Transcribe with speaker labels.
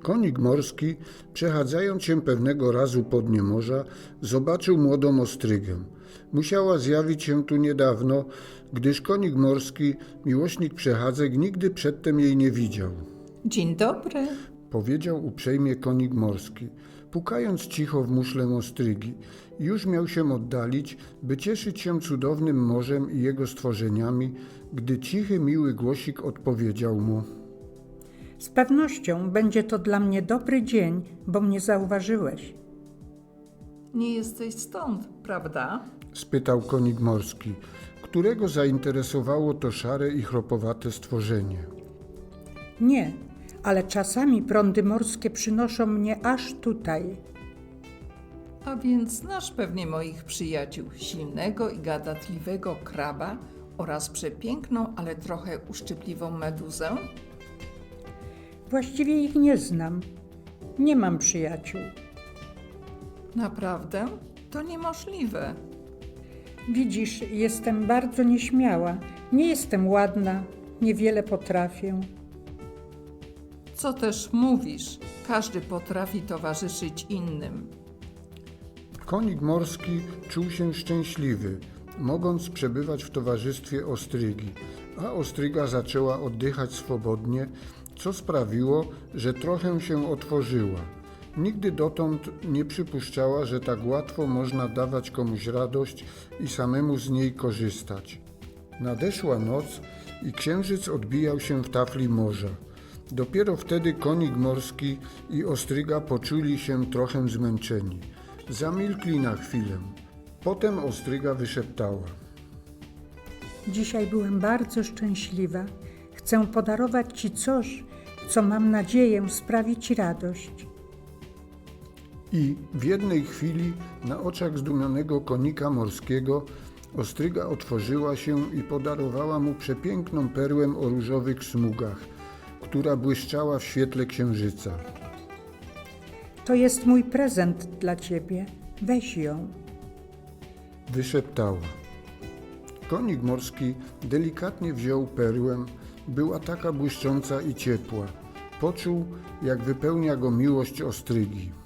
Speaker 1: Konik morski, przechadzając się pewnego razu po dnie morza, zobaczył młodą ostrygę. Musiała zjawić się tu niedawno, gdyż konik morski, miłośnik przechadzek, nigdy przedtem jej nie widział.
Speaker 2: Dzień dobry.
Speaker 1: Powiedział uprzejmie konik morski, pukając cicho w muszlę ostrygi. Już miał się oddalić, by cieszyć się cudownym morzem i jego stworzeniami, gdy cichy, miły głosik odpowiedział mu.
Speaker 3: Z pewnością będzie to dla mnie dobry dzień, bo mnie zauważyłeś.
Speaker 2: Nie jesteś stąd, prawda?
Speaker 1: Spytał konik morski, którego zainteresowało to szare i chropowate stworzenie.
Speaker 3: Nie, ale czasami prądy morskie przynoszą mnie aż tutaj.
Speaker 2: A więc znasz pewnie moich przyjaciół, silnego i gadatliwego kraba oraz przepiękną, ale trochę uszczypliwą meduzę?
Speaker 3: Właściwie ich nie znam. Nie mam przyjaciół.
Speaker 2: Naprawdę? To niemożliwe.
Speaker 3: Widzisz, jestem bardzo nieśmiała. Nie jestem ładna, niewiele potrafię.
Speaker 2: Co też mówisz? Każdy potrafi towarzyszyć innym.
Speaker 1: Konik morski czuł się szczęśliwy, mogąc przebywać w towarzystwie ostrygi, a ostryga zaczęła oddychać swobodnie, co sprawiło, że trochę się otworzyła. Nigdy dotąd nie przypuszczała, że tak łatwo można dawać komuś radość i samemu z niej korzystać. Nadeszła noc i księżyc odbijał się w tafli morza. Dopiero wtedy konik morski i ostryga poczuli się trochę zmęczeni. Zamilkli na chwilę. Potem ostryga wyszeptała.
Speaker 3: Dzisiaj byłem bardzo szczęśliwa. Chcę podarować Ci coś, co mam nadzieję sprawi Ci radość.
Speaker 1: I w jednej chwili na oczach zdumionego konika morskiego ostryga otworzyła się i podarowała mu przepiękną perłę o różowych smugach, która błyszczała w świetle księżyca.
Speaker 3: To jest mój prezent dla Ciebie. Weź ją.
Speaker 1: Wyszeptała. Konik morski delikatnie wziął perłę, była taka błyszcząca i ciepła. Poczuł, jak wypełnia go miłość ostrygi.